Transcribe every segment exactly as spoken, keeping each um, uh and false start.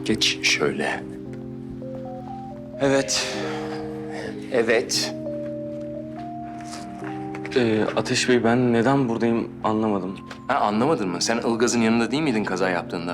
Geç şöyle. Evet. Evet. Ee, Ateş Bey, ben neden buradayım anlamadım. Ha, anlamadın mı? Sen Ilgaz'ın yanında değil miydin kaza yaptığında?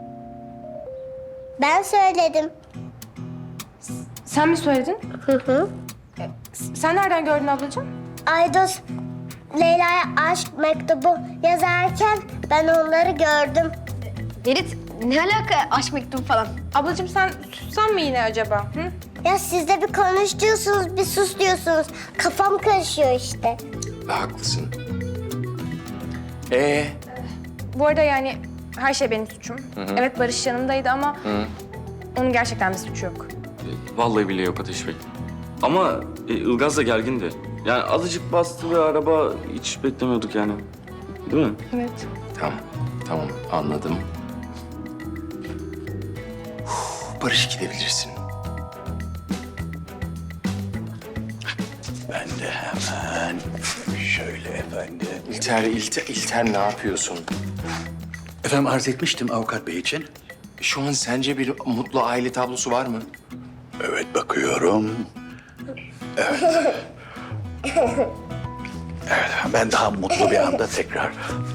Ben söyledim. Sen mi söyledin? Hı hı. Sen nereden gördün ablacığım? Aydos Leyla'ya aşk mektubu yazarken ben onları gördüm. Ferit, ne alaka aşk mektubu falan? Ablacığım sen sussan mı yine acaba? Hı? Ya siz de bir konuş diyorsunuz, bir sus diyorsunuz. Kafam karışıyor işte. Haklısın. Ee, Bu arada yani her şey benim suçum. Evet Barış yanımdaydı ama onun gerçekten bir suçu yok. Ee, Vallahi bile yok Ateş Bey. Ama e, Ilgaz da gergindi. Yani azıcık bastı ve araba hiç beklemiyorduk yani. Değil mi? Evet. tamam, tamam anladım. Uf, Barış gidebilirsin. Ben de hemen şöyle efendim. İlter, İlter, İlter ne yapıyorsun? Efendim arz etmiştim avukat bey için. Şu an sence bir mutlu aile tablosu var mı? Evet bakıyorum. Evet. Evet ben daha mutlu bir anda tekrar.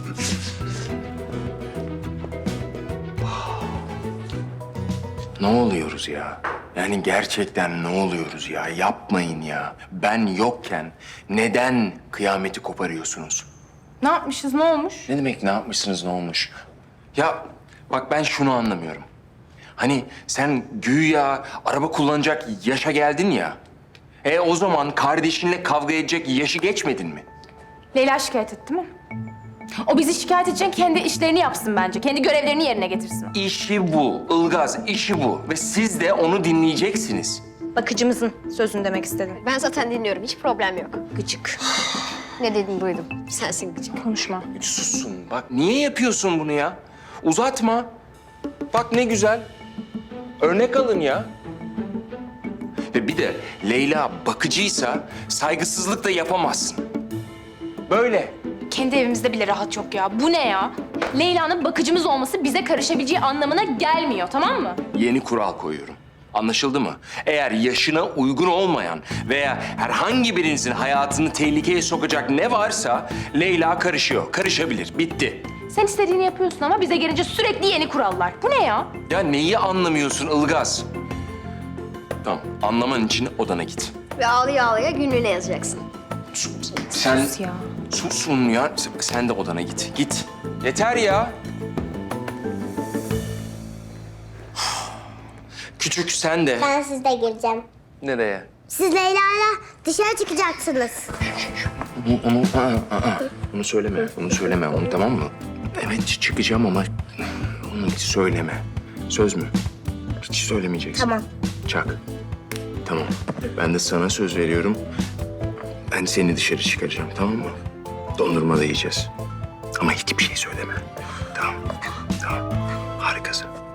Ne oluyoruz ya? Yani gerçekten ne oluyoruz ya? Yapmayın ya. Ben yokken neden kıyameti koparıyorsunuz? Ne yapmışız, ne olmuş? Ne demek ne yapmışsınız, ne olmuş? Ya bak ben şunu anlamıyorum. Hani sen güya araba kullanacak yaşa geldin ya. E o zaman kardeşinle kavga edecek yaşı geçmedin mi? Leyla şikayet etti mi? O bizi şikayet edecek kendi işlerini yapsın bence. Kendi görevlerini yerine getirsin. İşi bu, Ilgaz işi bu. Ve siz de onu dinleyeceksiniz. Bakıcımızın sözünü demek istedim. Ben zaten dinliyorum, hiç problem yok. Gıcık. Ne dedin duydum. Sensin gıcık. Konuşma. Hiç sussun. Bak niye yapıyorsun bunu ya? Uzatma. Bak ne güzel. Örnek alın ya. Ve bir de Leyla bakıcıysa saygısızlık da yapamazsın. Böyle. Kendi evimizde bile rahat yok ya. Bu ne ya? Leyla'nın bakıcımız olması bize karışabileceği anlamına gelmiyor, tamam mı? Yeni kural koyuyorum. Anlaşıldı mı? Eğer yaşına uygun olmayan veya herhangi birinizin hayatını tehlikeye sokacak ne varsa Leyla karışıyor. Karışabilir. Bitti. Sen istediğini yapıyorsun ama bize gelince sürekli yeni kurallar. Bu ne ya? Ya neyi anlamıyorsun Ilgaz? Tamam, anlaman için odana git. Ve ağlaya ağlaya günlüğüne yazacaksın. Sen Sus ya. susun ya. Sen de odana git. Git. Yeter ya. Küçük sen de. Ben sizle gireceğim. Nereye? Siz Leyla'yla dışarı çıkacaksınız. Onu, onu, aa, aa, onu söyleme, onu söyleme, onu tamam mı? Evet çıkacağım ama onu hiç söyleme. Söz mü? Hiç söylemeyeceksin. Tamam. Çak. Tamam. Ben de sana söz veriyorum. Ben seni dışarı çıkaracağım, tamam mı? Dondurma da yiyeceğiz. Ama hiçbir şey söyleme. Tamam. Tamam. Harikasın.